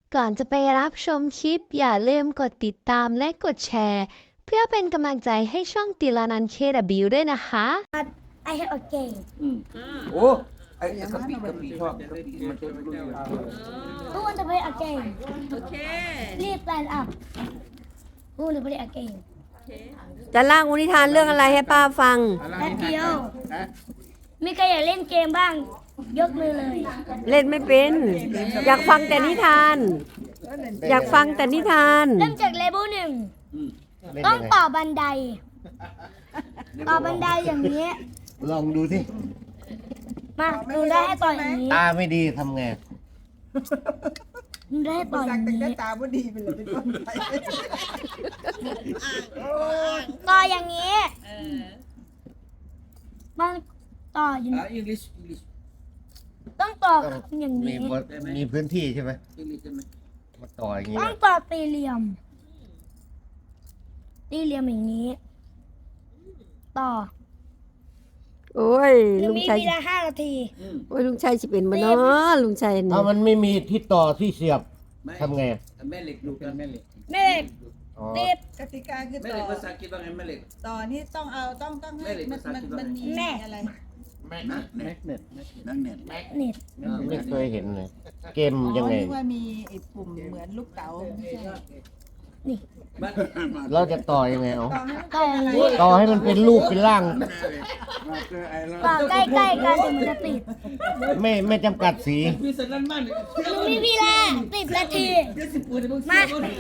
ก่อนจะไปรับชมคลิปอย่าลืมกดติดตามและกดแชร์เพื่อเป็นกำลังใจให้ช่องติลานันเคดับบิวด้วยนะคะ I have a game โอ้ไอ้กะปิชอบกะปิมันจะรู้อยู่ Who want to play a game Okay. Please stand up Who want to play a game จะเล่านิทานเรื่องอะไรให้ป้าฟังแป๊บเดียวมีใครอยากเล่นเกมบ้าง ยกมือเลยเล่นไม่เป็น อยากฟังแต่นิทาน อยากฟังแต่นิทานเริ่มจากเลเวลหนึ่งต้องต่อบันได ต่อบันไดอย่างนี้ลองดูสิมาดูได้ให้ต่ออย่างนี้ตาไม่ดีทำไงดูได้ให้ต่ออย่างนี้ตาบ่ดีไปเลยเป็นต้นไปต่ออย่างนี้มันต่ออย่างนี้ English ต้องต่ออย่างมีนี้มีพื้นที่ใช่ไหม English ใช่ไหมมาต่ออย่างนี้ต้องต่อสี่เหลี่ยมสี่เหลี่ยมอย่างนี้ ต่อโอ้ยหรือลุงมีชัยเวลา5 นาทีโอ้ยลุงชัยสิเป็นบ่เนาะลุงชัยนี่ถ้ามันไม่มีที่ต่อที่เสียบทำไงแม่เหล็กดูกันแม่เหล็กแม่เหล็กอ๋อติดกติกาคือแม่ต่เหล็อกภาษาอังกฤษว่าไงแม่เหล็กต่อนี่ต้องเอาต้องให้มันมีแม่อะไรแม็กเน็ตเน็ตไม่เคยเห็นเลย เกมยังไงนึกว่ามีไอ้ปุ่มเหมือนลูกเต๋าไม่ใช่เราจะต่อยังไงเอาต่อให้มันต่ออย่างนี้ต่อให้มันเป็นรูปเป็นร่างต่อใกล้ๆกันถึงมันจะติดไม่จำกัดสีมีสันนั่นมันมีเวลา10 นาทีเดี๋ยวสิปูนเดี๋ยวมึงมาเสีย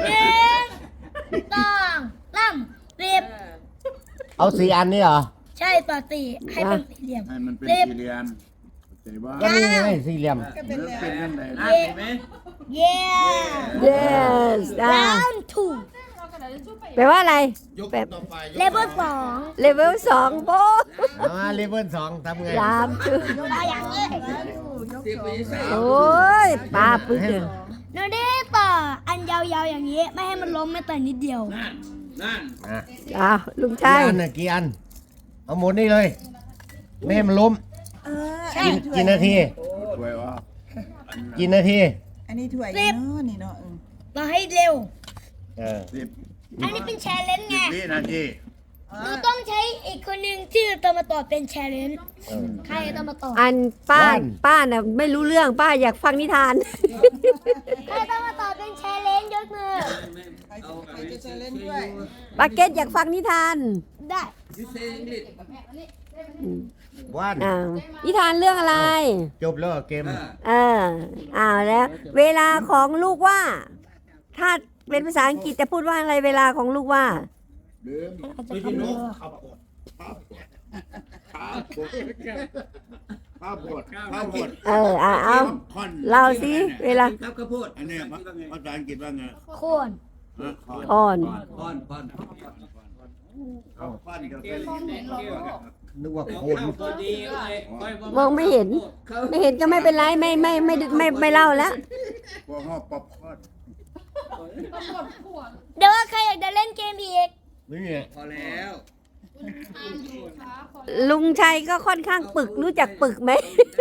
1 2 3 10 เอาสีอันนี้เหรอใช่ต่อสี่ให้เป็นสี่เหลี่ยมให้มันเป็น 10 สี่เหลี่ยมเข้าใจว่าก็นี่ไงสี่เหลี่ยมก็เป็นแล้วเป็นยังไงอ่ะเห็นไหม yeah yes อ่า round แปลว่าอะไรยกต่อไป 2 level 2 เลเวล2โบเอามาเลเวล2ทำไงสามชื่อต่ออย่างนี้เสียไปใส่โอ้ยป้าปึ๊กเลยหนูได้ต่ออันยาวๆอย่างนี้ ไม่ให้มันล้มแม้แต่นิดเดียวนั่นอ่ะอ้าวลุงกี่ชัยอันน่ะกี่อัน เอาหมดนี่เลย ไม่ให้มันล้มใช่กี่นาทีสวยว่ากี่นาทีอันนี้ถ้วยสิบเนาะนี่เนาะต่อให้เร็วเอออันนี้เป็นแชร์เลนจ์ไงวินาทีหนูต้องใช้อีกคนหนึ่งที่จะมาต่อเป็นแชร์เลนจ์เออใครจะมาต่ออันป้าบ้านป้าน่ะไม่รู้เรื่องป้าอยากฟังนิทานใครจะมาต่อเป็นแชร์เลนจ์ยกมือใครจะเล่นด้วยป้าเก็ตอยากฟังนิทานได้ยูเซอังกฤษว่านอ่านิทานเรื่องอะไรจบแล้วเหรอเกมเออเอาแล้ว เวลาของลูกว่า ถ้าเป็นภาษาอังกฤษจะพูดว่าอะไรเวลาของลูกว่าอาจจะทำเร็วข้าวบดข้าวบดเออเอาคอนเล่าสิเวลาครับข้าวโพดอันเนี้ยภาษาอังกฤษว่าไงโคนคอนอ่อนพอนคอนกับเป็นนึกว่าโคนมองไม่เห็น ไม่เห็นก็ไม่เป็นไรไม่เล่าแล้วพวกห้อป๊อปคอนเดี๋ยวว่าใครอยากจะเล่นเกมอีกนี่ไงพอแล้วลุงชัยก็ค่อนข้างปึกรู้จักปึกไหม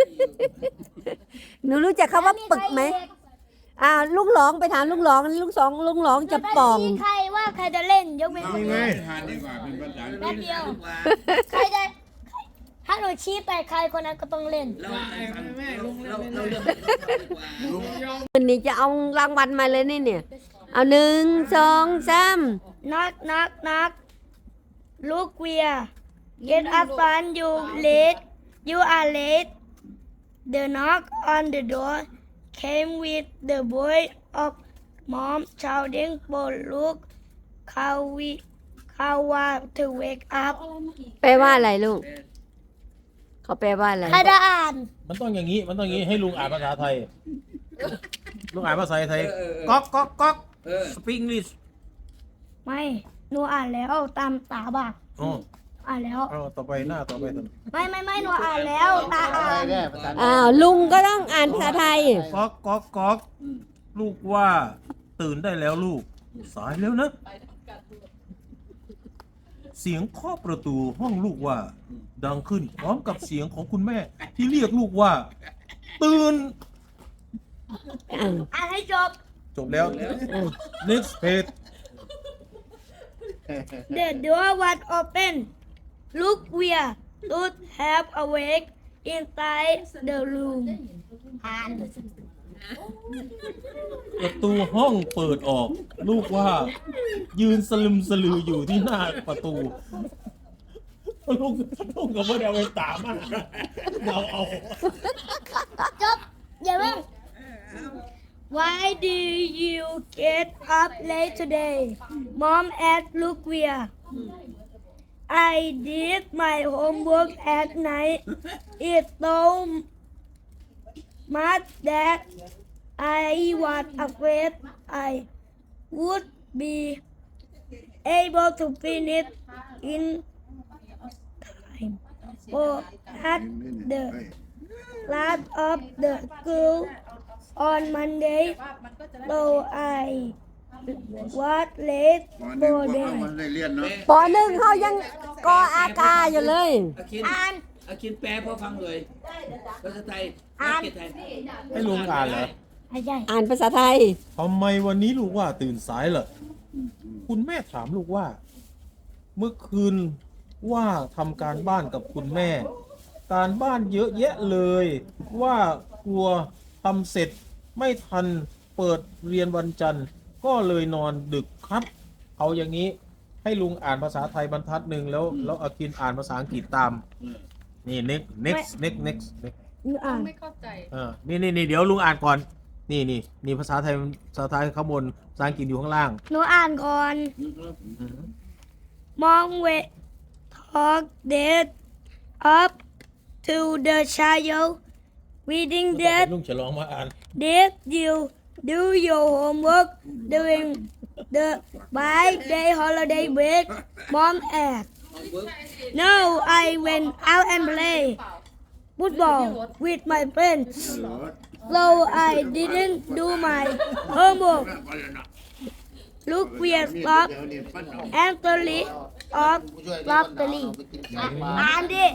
หนูรู้จักคำว่าปึกไหมลุงหลองไปถามลุงหลองลุงหลองจะป่องชี้ใครว่าใครจะเล่นยกเว้นนี่ไงทานดีกว่าเป็นภาษาอังกแป๊ฤบษเดียวใครจะถ้าหนูชี้ไปใครคนนั้นก็ต้องเล่นเราเริ่มวันนี้จะเอารางวัลมาเลยนี่เนี่ย เอา1 2 3 knock knock knock look where get up fun you late you are late the knock on the door came with the voice of mom shouting for look Kawa to wake up แปลว่าอะไรลูก เขาแปลว่าอะไรใครจะอ่านมันต้องอย่างนี้ ให้ลุงอ่านภาษาไทย ลุงอ่านภาษาไทย ก๊อกก๊อกก๊อกสปริงลิสไม่หนูอ่านแล้วตามตาบักอ๋ออ่านแล้วเอาต่อไปหน้าต่อไปต่อไม่หนูอ่านแล้วตาอ่านลุงก็ต้องอ่านภาษาไทยก๊อกก๊อกก๊อกลูกว่าตื่นได้แล้วลูก สายแล้วนะ เสียงเคาะประตูห้องลูกว่า ดังขึ้นพร้อมกับเสียงของคุณแม่ ที่เรียกลูกว่า ตื่นอ่านให้จบจบแล้ว next page The door was open. Look where Ruth have awake inside the room. อ่านประตูห้องเปิดออก ลูกว่ายืนสลึมสลืออยู่ที่หน้าประตู ลูกก็ไม่ได้เอาไปตามมาเอาจบอย่าเพิ่ง Why do you get up late today? Mom asked Look where. I did my homework at night. It so much that I was afraid I would be able to finish in time. For at the last of the school on Monday, so I was late หนึ่ง for พวกเขา them. มันได้เรียนเนาะปหนึ่งเขายังกออากาอยู่เลยอาคินอ่านอาคินแปลพอฟังเลยภาษาไทยอ่านเกียรติไทยให้ลุงอ่านเหรอไม่ใช่อ่านภาษาไทยทำไมวันนี้ลูกว่าตื่นสายเหรอคุณแม่ถามลูกว่า เมื่อคืนว่าทำการบ้านกับคุณแม่ การบ้านเยอะแยะเลย ว่ากลัวทำเสร็จไม่ทันเปิดเรียนวันจันทร์ ก็เลยนอนดึกครับ เอาอย่างนี้ให้ลุงอ่านภาษาไทยบรรทัดหนึ่งแล้วอากินอ่านภาษาอังกฤษตาม นี่ next อ่านนี่เดี๋ยวลุงอ่านก่อน นี่ภาษาไทยข้างบนภาษาอังกฤษอยู่ข้างล่างหนูอ่านก่อน Mom went talk that up to the child reading that ลุงจะลองมาอ่าน did you do your homework during the 5-day holiday break? Mom asked. No, I went out and played football with my friends, so I didn't do my homework. Look weird stop and the list of lottery. อ่านดิ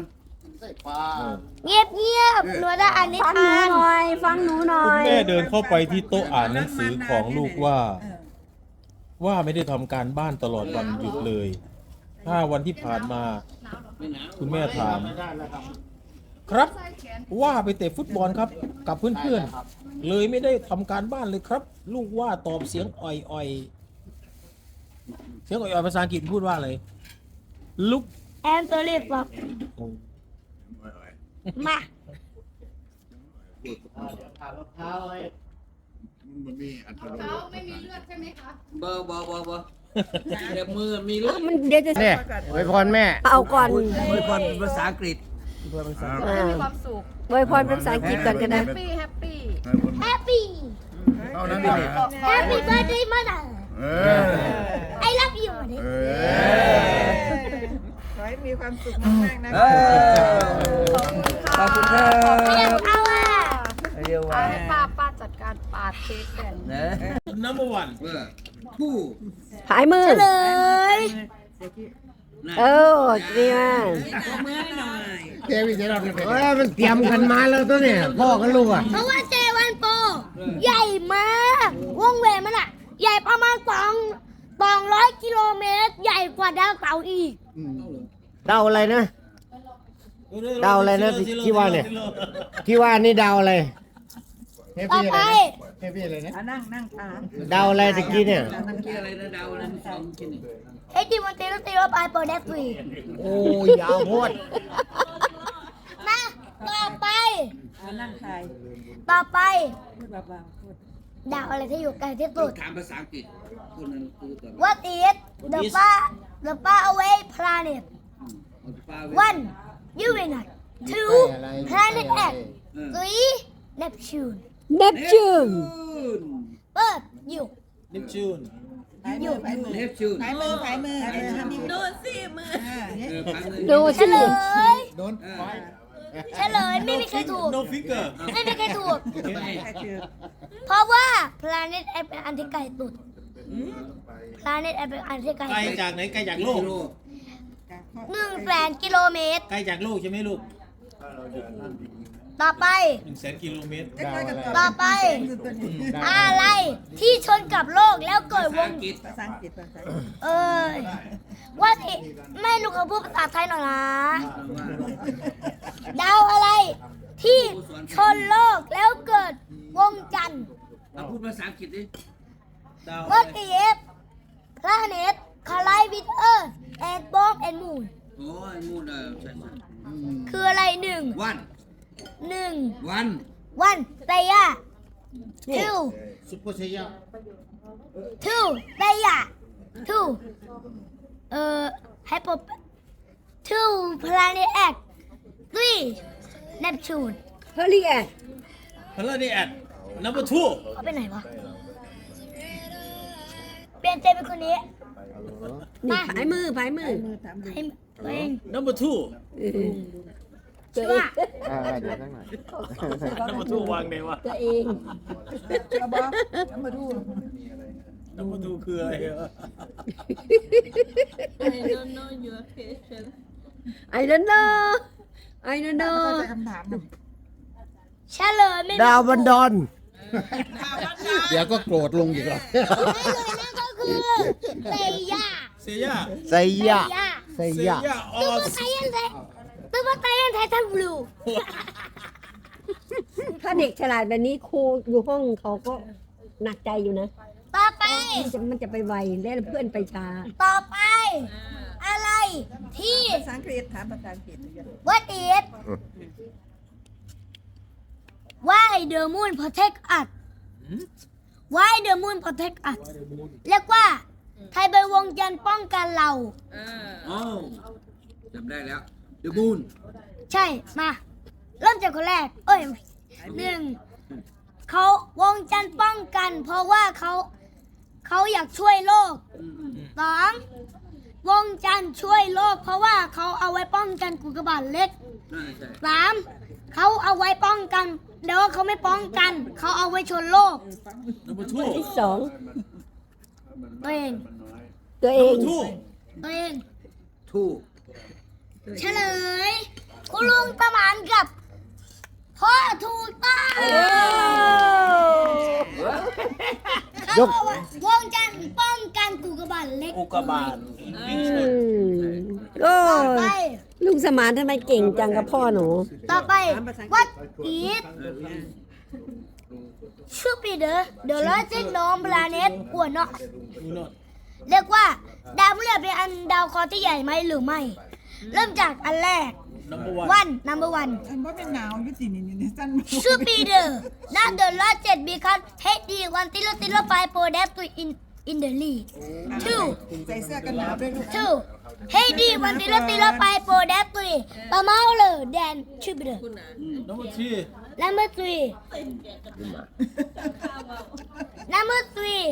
เงียบหนูจะอ่านนิฟังหนูทานหน่อย ฟังหนูหน่อคุณยแม่เดินเข้าไปที่โต๊ะอ่านหนังสือของลูกว่าไม่ได้ทำการบ้านตลอดวันหยุดเลย5 วันที่ผ่านมา คุณแม่ถาม ครับว่าไปเตะฟุตบอลครับ กับเพื่อนๆเลยไม่ได้ทำการบ้านเลยครับ ลูกว่าตอบเสียงอ่อยๆเสียงอ่อยๆภาษาอังกฤษพูดว่าอะไรลุก and the list of มามันมีอัตราเขาไม่มีเลือดใช่ไหมคะเบอร์แต่มือมีเลือดมันเดี๋ยวจะเนี่ยอวยพรแม่เอาก่อนอวยพรเป็นภาษาอังกฤษอ่ามีความสุขอวยพรเป็นภาษาอังกฤษก่อนก็ได้แฮปปี้ happy เท่านั้นเอง happy birthday mother เออ I love you เออขอให้มีความสุขมากๆนะเออขอบคุณครับเรียกเอาอ่ะเรียกว่าให้ป้าจัดการปาดเค้กแบ่งนะ number one เพื่อผู้หายมือเลยเออดีมากเจวิจะรับเอ้ยมันเตรียมกันมาแล้วตัวเนี่ยพ่อกับลูกอ่ะเพราะว่าเจวันโปใหญ่มากวงแหวนมันอ่ะ ใหญ่ประมาณ200 กิโลเมตร ใหญ่กว่าดาวเสาร์อีกเดาอะไรนะ เดาอะไรนะที่ว่าเนี่ย ที่ว่านี่เดาอะไรต่อไปเฮฟวี่อะไรนะนั่งขาเดาอะไรตะกี้เนี่ยเมื่อกี้อะไรนะดาวอะไรสองกินนี่เอ็ดดี้วันเตโรเตโรไปโปรเดฟรีโอ้ยยาวโพดมาต่อไปนั่งคายต่อไปพูดเบาๆพูดดาวอะไรที่อยู่ไกลที่สุดถามภาษาอังกฤษคนนั้นคือตัว What is the far away planet? 1. Uranus 2. Planet X 3. Neptune เนปจูนเปิดอยู่นิปจูนผายมือผายมือเนปจูนผายมือผายมือทำนิ้วโดนสิมือพันเลยดูเฉสิลยโดนเฉลยไม่มีใครถูก no finger ไม่มีใครถูกใครถือเพราะว่า Planet X เป็นอันที่ไกลสุด Planet X เป็นอันที่ไกลไกลสุดจากไหนไกลจากโลก 100,000 กิโลเมตรไกลจากโลกใช่ไหมลูกต่อไป 100,000 กิโลเมตรต่อไป อะไรที่ชนกับโลกแล้วเกิดวงภาษาอังกฤษภาษาว่าที่ไม่รู้เขาพูดภาษาไทยหน่อยนะดาวอะไรที่ชนโลกแล้วเกิดวงจันทร์พูดภาษาอังกฤษดิ What if planet collide with Earth and bomb and moon โอ้ยมูนใช่คืออะไรหนึ่งวัน one เตย่า two ซุปเปอร์เซีย two เตย่า two hypo two planet X three Neptune เฮลิแอดพลาดีแอด number 2 เขาไปไหนวะเปลี่ยนใจเป็นคนนี้นี่ผายมือให้ตัวเอง number 2 ชื่อว่า number 2 วางไหนวะตัวเองเอาบอกเอามาดู number 2 คืออะไรอะ I don't know your question I don't know I don't เข้า know ใจคำถามหนึ่งเฉลยไม่ดาวบันดอนเดี๋ยวก็โกรธลงอีกแล้วไม่เลยนั่นก็คือเตย่าเซียไซยะไซเซียะยออตัวสไทยไทยตัวไทยไทยทันบลูถ้าเด็กฉลาดแบบนี้ครูอยู่ห้องเขาก็หนักใจอยู่นะต่อไปมันจะไปไวและเพื่อนไปช้าต่อไป อะไรที่ภาษาอังกฤษถามภาษาอังกฤษ What is Why the moon protect us Why the moon protect us เรียกว่าไทยใบวงจันทร์ป้องกันเราโอ้จำได้แล้ว The Moon ใช่ มา เริ่มจากคนแรก หนึ่งเขาวงจันทร์ป้องกัน เพราะว่าเขาอยากช่วยโลกสองวงจันทร์ช่วยโลก เพราะว่าเขาเอาไว้ป้องกันกุกบาตเล็กน่าใช่สามเขาเอาไว้ป้องกันเดี๋ยวเขาไม่ป้องกัน เขาเอาไว้ชนโลก number ที่สองตัวเองตัวเอง 2 ตัวเองถูกเฉลย คุณลุงตะหมานกับพ่อถูกต้องเขาบอกว่าวงจันทร์ป้องกันกุกบาตเล็กอุกกาบาตก็ต่อไปลุงสมานทำไมเก่งจังกับพ่อหนูต่อไป What is Jupiter the largest known planet or not เรียกว่าดาวพฤหัสเป็นอันดาวเคราะห์ที่ใหญ่ไหมหรือไม่ เริ่มจากอันแรก number one อันว่าเป็นหนาวอยุตินี่สั้น Jupiter not the largest because HD 1.05 product in the lead ใส่เสื้อกันหนาวด้วยลูก two HD 1.05 product smaller than Jupiter number 3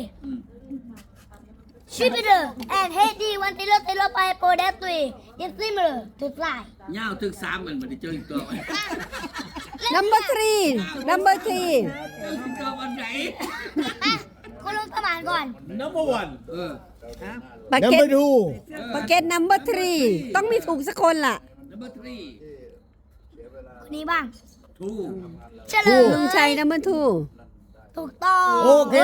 Jupiter and HD 1.05 product is similar to fly เงาถึง3มันไม่ได้เจออีกตัวไหม number 3 number 3 เจออีกตัววันไหนคุณลุงสมานก่อน number 1 ปากนัมเก็เบตอร์ดูปากเก็ต number 3 ต้องมีถูกสักคนล่ะ Number 3 คนนี้บ้างถูกเฉลยลุงชัย number 2 ถูกต้องโอเค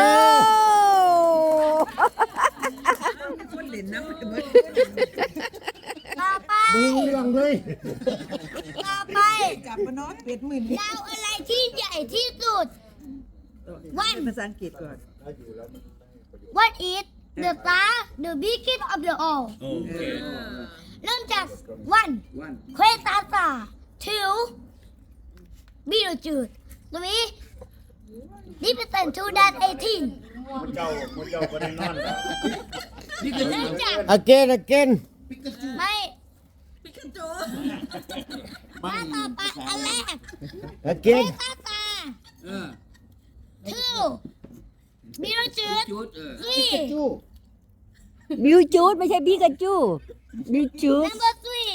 คนเล่นน้ำมันเหมือนต่อไปดูเรื่องเลยต่อไปจับมานอนเป็ดหมื่นดาวอะไรที่ใหญ่ที่สุดภาษาอังกฤษก่อน What is the star the biggest of the all โอเคเริ่มจาก one วันเควสตาตา two Betelgeuse three represent 2018 นี่คือเริ่มจาก again ไม่มาต่อไปอันแรก เควส again ตาตา two จุด Betelgeuse three บิวจูดไม่ใช่บิกาจูบิวจูด number three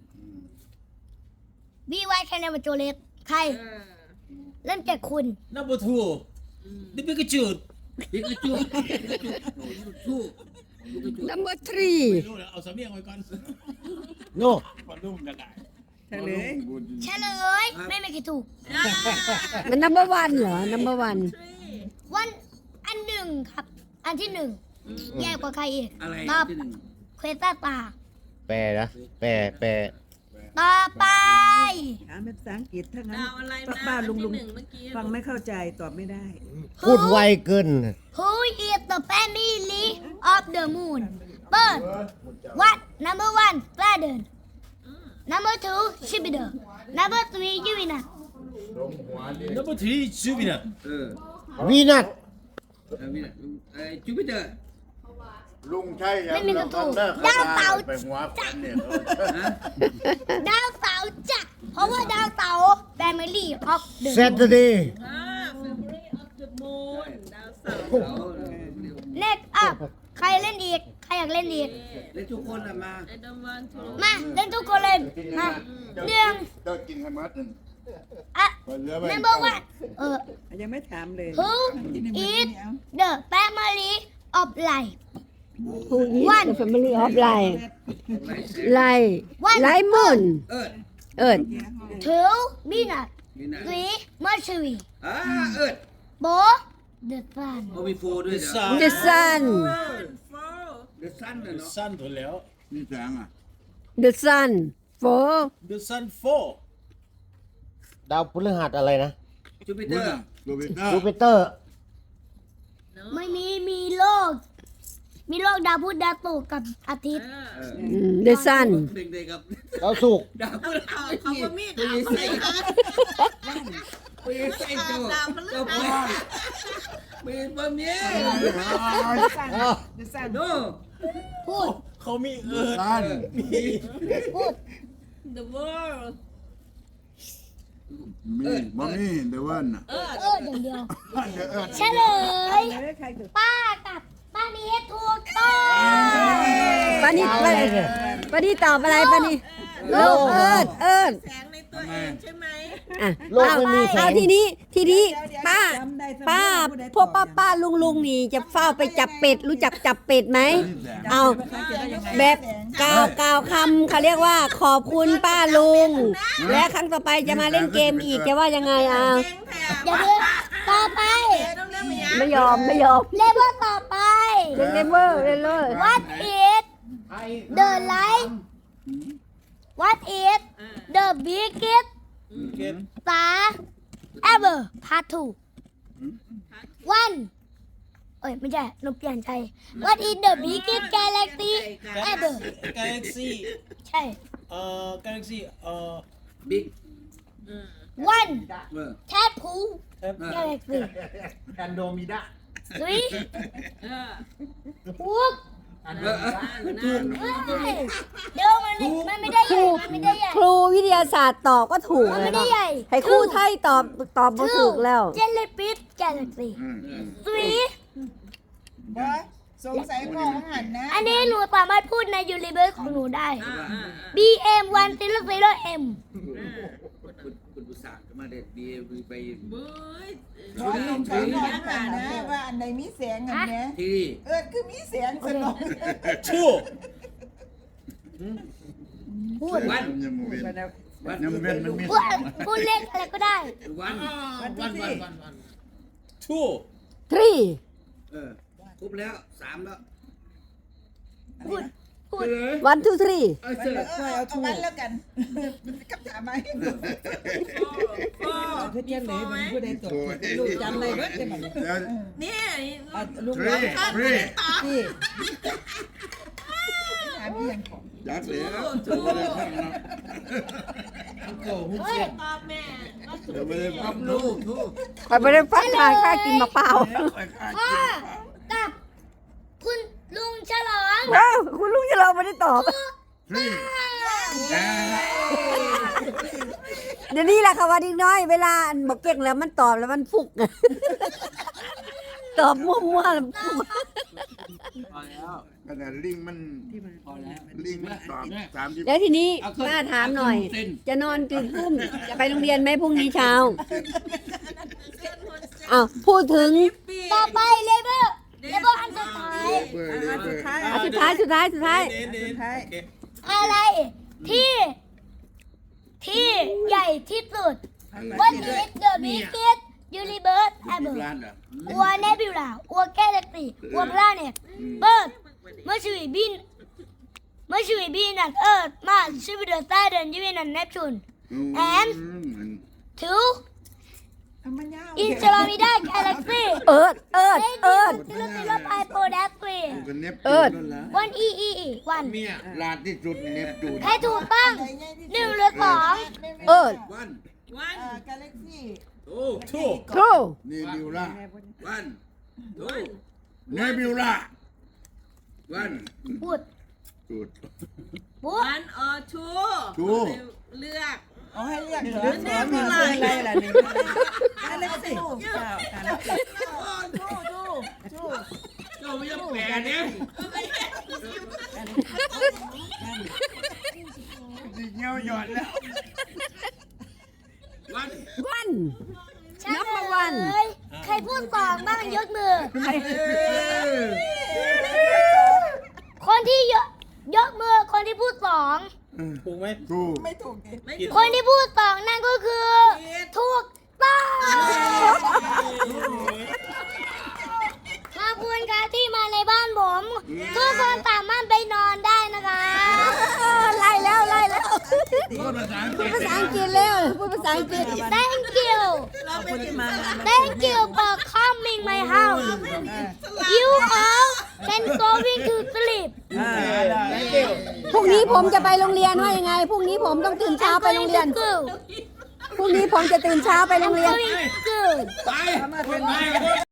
BY แคนเนอร์โจเลสใคร เริ่มจากคุณ number 2 นี่เป็นกระจุดนี่คือจุดถูก number 3 ไม่รู้นะเอาสำเนียงไว้ก่อน no พอนุ่มกันได้เฉลยเฉลยไม่มีใครถูกมันนัมเบอร์วันเหรอนัมเบอร์วันวันอันหนึ่งครับ อันที่หนึ่งแย่กว่าใครอีกอะไรตอบที่หนึ่งเควต้าตาแปลนะแปลต่อไปถามเป็นภาษาอังกฤษถ้างั้นดาวอะไรนะป้าลุงที่หนึ่งเมื่อกี้ฟังไม่เข้าใจตอบไม่ได้พูดไวเกิน Who is the family of the moon Bird What number one Father Number two Jupiter Number three Uranus Number 3 Jupiter วีนัสจูปิเตอร์ลุงใช่ยังไม่มีกระถูกเลิกดาวเสาร์ไปหัวฟันเนี่ยดาวเสาร์จ้ะเพราะว่าดาวเสาร์ Family of the เซตเดย์ Family of the Moon ดาวเสาร์ Next up ใครเล่นอีก ใครอยากเล่นอีกและทุกคนอะมา I don't want to มาเล่นทุกคนเลยมาหนึ่งเลิกกินให้หมัดหนึ่งอ่ะไปเหลือไว้ Number one ยังไม่ถามเลย Who is the family of life ผู้นี้ The Family of Life ไลไลมุนเอิร์ดเอิร์ด two Venus นี่นะ three Mercury เอิร์ด four the sun โอมีโฟด้วยเหรอ The Sun The Sun น่ะเนาะ Sun ถูกแล้วนี่แสงอ่ะ The Sun for The Sun ดาวพฤหัสอะไรนะจูปิเตบุอญร์อ่ะโรเบิร์ตจูปิเตอร์ไม่มีโลก มีโลกดาวพุธดาวศุกร์กับอาทิตย์ The Sun เด็กๆกับดาวศุกร์ดาวพฤหัสเขาก็มีดไปใส่ไปใส่เจ้าเจ้าพ่อไปแบบนี้ The Sun โน่พูดเขามีเอิร์ดตันพูด The World มีบ่มีเดวันอ่ะอย่างเดียวเดี๋ยวเอิ้นเฉลยใครถูกป้ากับป้านี้ถูกต้องปานี่ปานี่ตอบอะไรปานี่โลกเอิร์ดแสงในตัวเองใช่ไหมอ่ะโลกไม่มีแสงเอาทีนี้ป้าจำได้เสมอป้าผู้ใดพวกตอบป้าลุงนี่จะเฝ้าไปจับเป็ดรู้จักจับเป็ดไหมเอาแบบกล่าวคำเขาเรียกว่าขอบคุณป้าลุง และครั้งต่อไปจะมาเล่นเกมอีกจะว่ายังไงอ่ะเก่งแถมอย่าเพิ่งต่อไปต้องเลือกมายังไม่ยอมเลเวลต่อไปเล่นเลเวอร์เล่นเลย What is the light What is the biggest star ever Part 2 One เอ้ยไม่ใช่หนูเปลี่ยนใจ What is the biggest galaxy ever Galaxy ใช่ Galaxy บิ๊ก One เออ Tadpole Galaxy แอนโดมิดา Three ถูกเดี๋ยวมันไม่ได้ใหญ่มันไม่ได้ใหญ่ครูวิทยาศาสตร์ตอบก็ถูกมันเลไม่ยได้นะใหญ่ให้ครูไทยตอบมาถูกแล้ว Jellyfish Galaxy Three บอยสงสัยพ่อของหันนะอันนี้หนูสามารถพูดในยูนิเวอร์ของหนูได้ BM 100M คุณผู้สาวมาเด็ดบีไปบุ้ยขอลงขอบอกหันนะว่าอันไหนมีแสงอันเนี้ยที่คือมีแสงสนอง Two พูดวันยังบ่เว้นวันยังบ่เว้นมันมีพูดเลขอะไรก็ได้วัน Two 3 ครบแล้ว3แล้วพูด 1 2 3 เออเสร็จเอาวันแล้วกันกับถามไหม 4 เพื่อนยังเหลือมันผู้ใดตกลูกจำเลยเบิดได้บ่เดี๋ยวเนี่ยลูกฟรีฟรีที่ถามอีหยังของยักษ์แล้วเฮ้ยตอบแม่ว่าสุดเดี๋ยวไม่ได้พับลูกทุกคอยไปได้ฟังทางค่ากินมะเปล่าพ่อกับคุณลุงฉลองว้าวคุณลุงจะเราไม่ได้ตอบฟรีเดี๋ยวนี้แหละค่ะว่าดีน้อยเวลาอันบอกเก่งแล้วมันตอบแล้วมันฟุก ตอบมั่วๆแล้วฟุกพอแล้วขนาดลิงมันพอแล้วลิงมันตอบ30 แล้วทีนี้ป้าถามหน่อย จะนอนกี่ทุ่มจะไปโรงเรียนไหมพรุ่งนี้เช้าอ้าวพูดถึงต่อไปเลเวลอันสุดท้ายเบอร์เบอร์สุดท้ายสุดท้ายอะไรที่ที่ใหญ่ที่สุด What is the biggest universe 10 ever ล้านเหรอ or nebula or galaxy or planet Earth Mercury Venus Earth Mars Jupiter Saturn Uranus Neptune and 2 Andromeda Galaxy เอิดกันเนปจูนนั่นละ one one ลานที่สุดเนปจูนให้ถูกต้อง1หรือ2 เอิดวันวันกาแล็กซี่ true เนบิวล่าวันเนบิวล่าวันพูดจุดพูดวันออทูทูเลือกเอาให้เรียกเหรอแม่มีอะไรล่ะนี่กาแล็กซี่กาแล็กซี่จูเราไม่ต้องแปลเนี่ยดิเงี้ยวหยอดแล้ววันวัน number 1 ใครพูดสองบ้างยกมือ คนที่ยกมือคนที่พูดสองถูกไหมทูไม่ถูกดิคนที่พูดสองนั่นก็คือถูกต้องขอบคุณครับที่มาในบ้านผมทุกคนสามารถไปนอนได้นะคะไล่แล้วพูดภาษาอังกพูฤดษภาษาอังกฤษเร็วพูดภาษาอังกฤษ Thank you เราเป็นที่มา Thank you for coming my house You all can go into sleep พรุ่งนี้ผมจะไปโรงเรียนว่ายังไงพรุ่งนี้ผมต้องตื่นเช้าไปโรงเรียน School พรุ่งนี้ผมจะตื่นเช้าไปโรงเรียน Going to school ไปไป